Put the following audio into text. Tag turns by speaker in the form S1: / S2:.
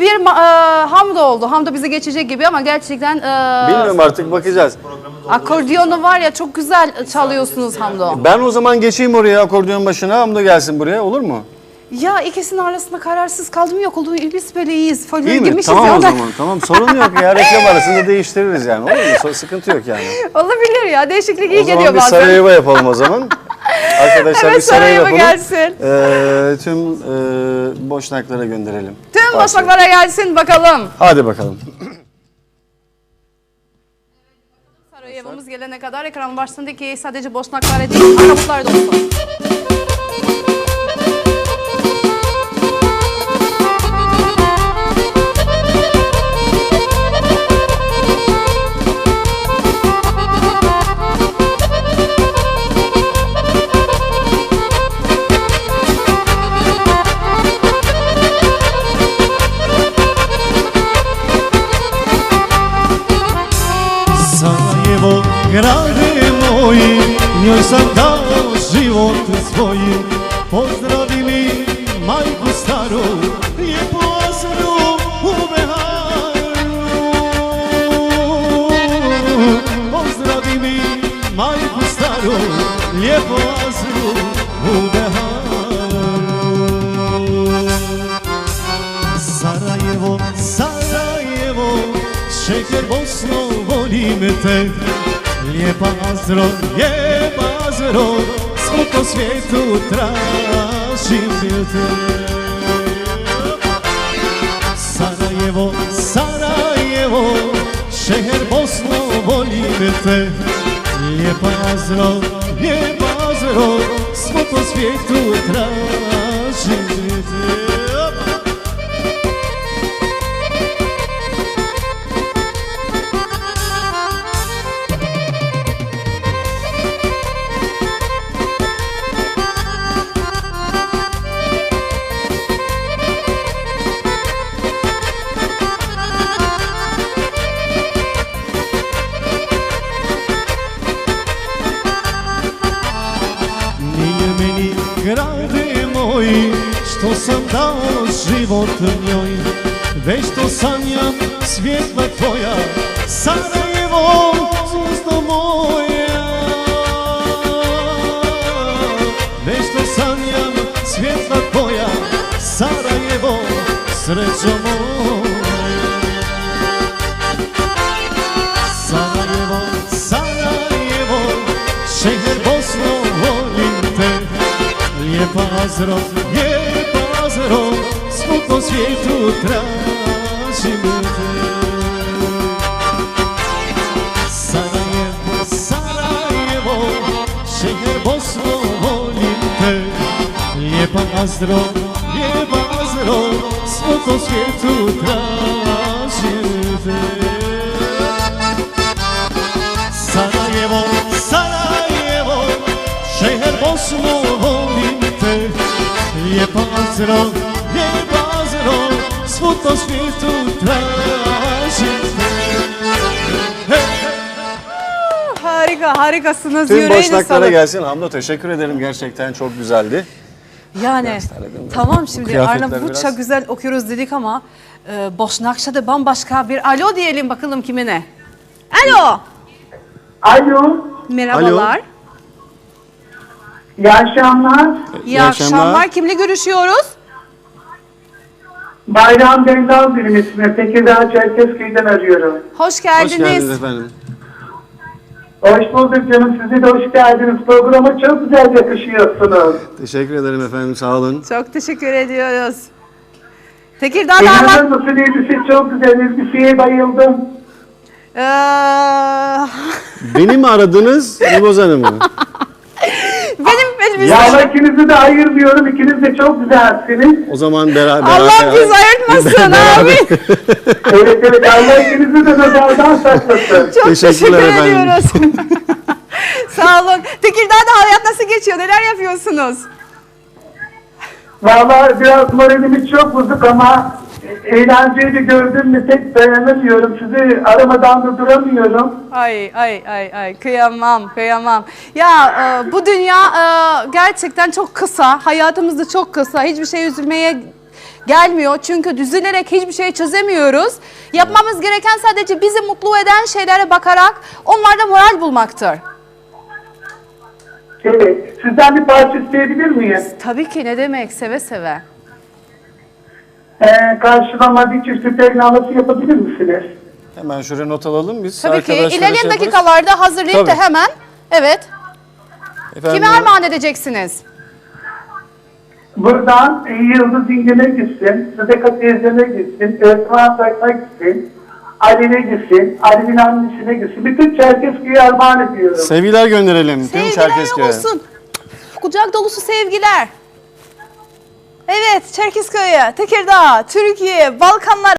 S1: bir Hamdo oldu. Hamdo bize geçecek gibi ama gerçekten...
S2: Bilmiyorum artık, bakacağız.
S1: Akordiyonu var ya, çok güzel çalıyorsunuz Hamdo.
S2: Ben o zaman geçeyim oraya, akordeon başına. Hamdo gelsin buraya, olur mu?
S1: Ya ikisinin arasında kararsız kaldım, yok oldu. Biz böyle iyiyiz. Folyoya
S2: İyi mi?
S1: girmişiz
S2: Tamam
S1: ya.
S2: o zaman. Tamam, sorun yok ya. Reklam arasında değiştiririz yani. Olur mu? Sıkıntı yok yani.
S1: Olabilir ya. Değişiklik iyi
S2: O zaman
S1: geliyor
S2: bir
S1: bazen.
S2: Sarajevo yapalım o zaman. Arkadaşlar
S1: Evet,
S2: bir Sarajevo
S1: Sarajevo
S2: yapalım.
S1: gelsin.
S2: Tüm boşnaklara gönderelim.
S1: Tüm boşnaklara gelsin bakalım.
S2: Hadi bakalım.
S1: Sarajevo'muz gelene kadar ekranın başındaki sadece boşnaklara değil, Arnavutlar da olsun.
S3: Sarajevo, grade moj, njoj sam dao život svoj. Pozdravi mi majku staru, lijepo Azru u Beharu. Pozdravi mi majku staru, lijepo Azru u Beharu. Sarajevo, Sarajevo, šeker Bosno, volim te. Lijepa Azro, svud po svijetu tražim te. Sarajevo, Sarajevo, šeher Bosno, volim te. Lijepa Azro, svud po svijetu tražim te. Grade moj, što sam dao život njoj, već to sanjam svjetla tvoja, Sarajevo, zvijezdo moja. Već to sanjam svjetla tvoja, Sarajevo, srećo moja. Sarajevo, Sarajevo, šeher Bosno, volim te. Lijepa Azro, svud po svijetu tražim te. Sarajevo, Sarajevo, šeher Bosno, volim te. Lijepa Azro, svud po svijetu tražim te. Sarajevo, Sarajevo, šeher Bosno, volim te. Lijepa Azro, svud po svijetu tražim te.
S1: Harika, harikasınız.
S2: Tüm
S1: Yüreğine
S2: boşnaklara
S1: sağlık.
S2: gelsin. Hamdo, teşekkür ederim. Gerçekten çok güzeldi.
S1: Yani tamam, şimdi
S2: kıyafetler
S1: Arnavutça
S2: biraz-
S1: güzel okuyoruz dedik ama Boşnakça da bambaşka bir alo diyelim bakalım kimine. Alo.
S4: Alo,
S1: Merhabalar.
S4: iyi akşamlar.
S1: İyi akşamlar. Kimle görüşüyoruz?
S4: Bayram Dendal benim ismim. Tekirdağ Çerkezköy'den arıyorum.
S1: Hoş geldiniz.
S2: Hoş geldiniz efendim.
S4: Hoş bulduk canım, size de hoş geldiniz. Programa çok güzel yakışıyorsunuz.
S2: Teşekkür ederim efendim, sağ olun.
S1: Çok teşekkür ediyoruz. Tekirdağ'da
S4: İnanır mısın, elbise çok güzel, elbiseye bayıldım.
S2: Beni mi aradınız, Yılmaz Hanım'ı?
S1: benim elbise.
S4: Ya ikinizi de ayırmıyorum, ikiniz de çok güzelsiniz.
S2: O zaman beraber...
S1: Allah bizi ayırtmasın abi.
S4: Evet, Allah ikinizi de nazardan saklasın.
S1: Çok teşekkür
S2: Teşekkürler efendim.
S1: ediyoruz. Sağ olun. Tekirdağ'da hayat nasıl geçiyor? Neler yapıyorsunuz?
S4: Vallahi biraz moralimiz çok bozuk ama eğlenceyi de gördüm mü tek dayanamıyorum. Sizi aramadan da duramıyorum.
S1: Ay kıyamam kıyamam. Ya bu dünya gerçekten çok kısa. Hayatımız da çok kısa. Hiçbir şey üzülmeye gelmiyor. Çünkü düzülerek hiçbir şey çözemiyoruz. Yapmamız gereken sadece bizi mutlu eden şeylere bakarak onlarda moral bulmaktır.
S4: Evet. Sizden bir parça isteyebilir miyim?
S1: Tabii ki, ne demek, seve seve.
S4: Karşılama bir çift teknalası yapabilir misiniz?
S2: Hemen şuraya not alalım biz.
S1: Tabii ki,
S2: Arkadaşlara
S1: ilerleyen
S2: şey yaparız.
S1: dakikalarda hazırlayıp da
S2: Tabii.
S1: hemen, evet.
S2: Efendim,
S1: Kime armağan edeceksiniz?
S4: Buradan Yıldız İngil'e gitsin, Sıdeka teyzeme gitsin, Özman Sak'a gitsin, Ali'ne gitsin, Ali'nin annesine gitsin. Bütün Çerkezköy'e armağan ediyorum.
S2: sevgiler gönderelim tüm
S1: Sevgiler
S2: Çerkezköy'e.
S1: olsun. Kucak dolusu sevgiler. Evet, Çerkezköy'e, Tekirdağ, Türkiye, Balkanlar.